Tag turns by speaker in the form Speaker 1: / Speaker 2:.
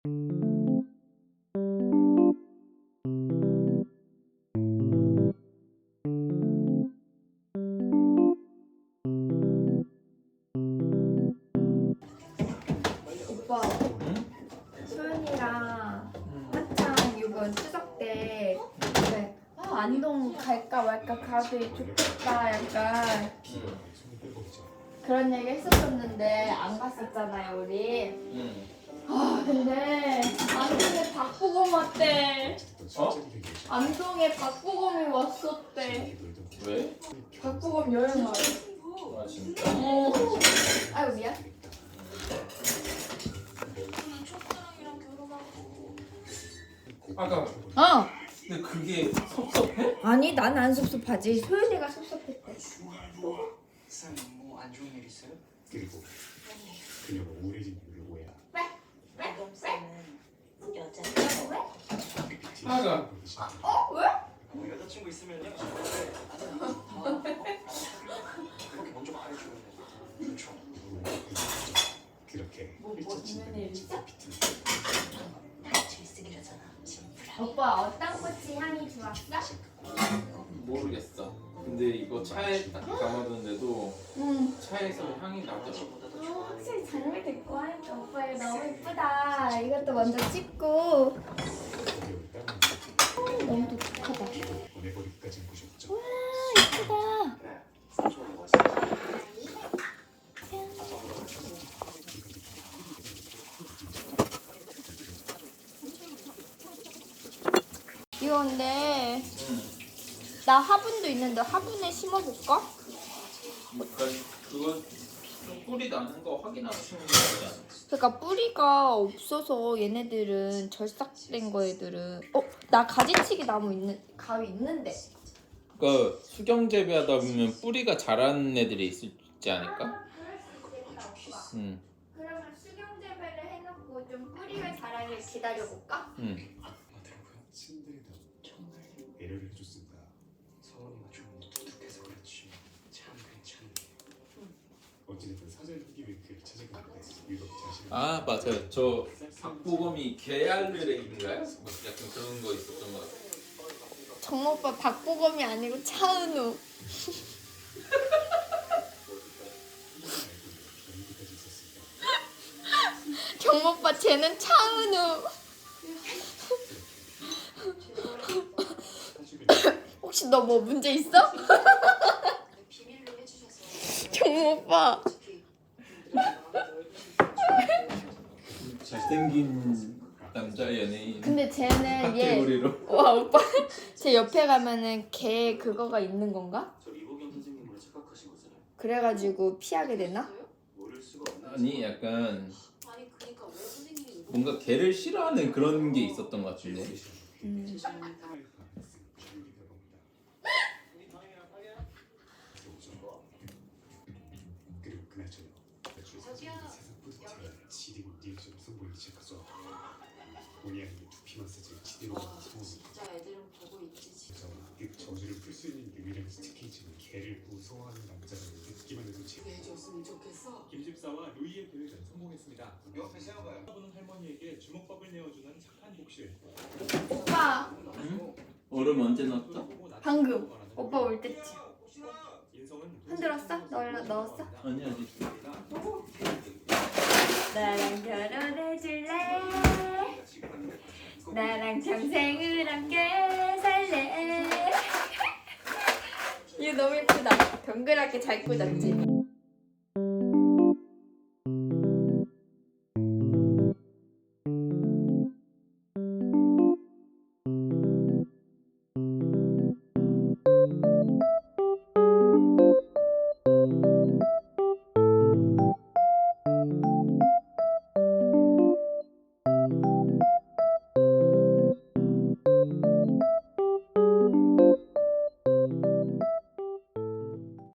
Speaker 1: 오빠, 소연이랑 한창 이번 추석 때 네. 안동 갈까 말까 가도 좋겠다 약간 그런 얘기 했었었는데 안 갔었잖아요 우리. 근데 안동에 박보검 왔대. 안동에 박보검이 왔었대.
Speaker 2: 왜?
Speaker 1: 박보검 여행 가요.
Speaker 2: 아 진짜?
Speaker 1: 아유 미안.
Speaker 2: 아까 근데 그게 섭섭해?
Speaker 1: 아니 난 안 섭섭하지. 소연이가 섭섭했대.
Speaker 3: 쌤, 뭐 안 좋은 일 있어요?
Speaker 4: 그리고 그녀가 우울해진 이유를 오해야.
Speaker 5: 쌤은 여자.
Speaker 2: 아가
Speaker 1: 왜?
Speaker 3: 뭐 여자친구 있으면요. 그렇게 먼저 말해줘야 돼. 그렇죠.
Speaker 4: 그렇게
Speaker 1: 뭐
Speaker 4: 펼쳐진다는
Speaker 1: 일 있어?
Speaker 4: 비트는
Speaker 5: 질색이라잖아.
Speaker 1: 오빠 어떤 꽃이 향이 좋았어?
Speaker 2: 모르겠어. 근데 이거 차에 딱 담아뒀는데도 차에서 향이 나더라고.
Speaker 1: 확실히 장미 데리고 하니까 오빠 이거 너무 예쁘다. 이것도 먼저 찍고.
Speaker 4: 어려울 때는
Speaker 1: 너무 독특하다.
Speaker 4: 보내버리기까지 보셨죠.
Speaker 1: 예쁘다.
Speaker 3: 그래. 삼촌이 멋있어.
Speaker 1: 이거 근데 나 화분도 있는데 화분에 심어볼까?
Speaker 2: 그러니까 그거 좀 뿌리 나는 거 확인하고 심는 거 아니야?
Speaker 1: 그러니까 뿌리가 없어서 얘네들은 절삭된 거 애들은 나 가지치기 나무 가위 있는데.
Speaker 2: 그러니까 수경 재배하다 보면 뿌리가 자라는 애들이 있지 않을까? 응.
Speaker 1: 그러면 수경 재배를 해놓고 좀 뿌리가 자라길 기다려볼까?
Speaker 2: 응.
Speaker 4: 친들이다 정말 배려를 해줬습니다.
Speaker 3: 서원이가 좀 두둑해서 그렇지. 참 괜찮네.
Speaker 4: 어찌됐든 사죄를 하기 위해 그를 찾아갔는데 유독 자신을
Speaker 2: 아 맞아요. 저 박보검이 개알레인가요? 뭐 약간 그런 거 있었던 것 같아요.
Speaker 1: 정모 오빠 박보검이 아니고 차은우.
Speaker 4: 여기까지 있었습니다.
Speaker 1: 정모 오빠 쟤는 차은우. 혹시 너 뭐 문제 있어?
Speaker 5: 비밀로 해주셔서
Speaker 1: 정모 오빠.
Speaker 2: 잘생긴 남자 연예인
Speaker 1: 근데 쟤는 얘.
Speaker 2: 카테고리로.
Speaker 1: 와 오빠 제 옆에 가면은 걔 그거가 있는 건가?
Speaker 3: 저 이보경 선생님으로 착각하신 거잖아요.
Speaker 1: 그래가지고 피하게 되나?
Speaker 3: 모를 수가 없는.
Speaker 2: 아니 약간
Speaker 5: 아니 그러니까 왜 선생님이
Speaker 2: 뭔가 개를 싫어하는 그런 게 있었던 것 같은데.
Speaker 4: 그리고 그날 저녁 매출 사진이 세상 포스터에 지디고 리액션을 선보이기 시작하죠. 본의 아니게 두피 마사지를 지디로 하는 소문이
Speaker 5: 진짜 애들은 보고 있지.
Speaker 4: 그래서 그 저주를 풀 수 있는 유일한 스티키지는 개를 무서워하는 남자를 듣기만 해도
Speaker 5: 해줬으면 좋겠어.
Speaker 6: 김집사와 루이의 계획은 성공했습니다.
Speaker 3: 옆에 세워봐요.
Speaker 6: 보는 할머니에게 주먹밥을 내어주는 착한 복실.
Speaker 1: 오빠
Speaker 2: 얼음 언제 넣었어?
Speaker 1: 방금 오빠 올 때쯤.
Speaker 6: 인성은
Speaker 1: 흔들었어? 넣었어?
Speaker 2: 아니 아직.
Speaker 1: 나랑 결혼해줄래? 나랑 평생을 함께 살래? 이거 너무 예쁘다. 동그랗게 잘 꽂았지?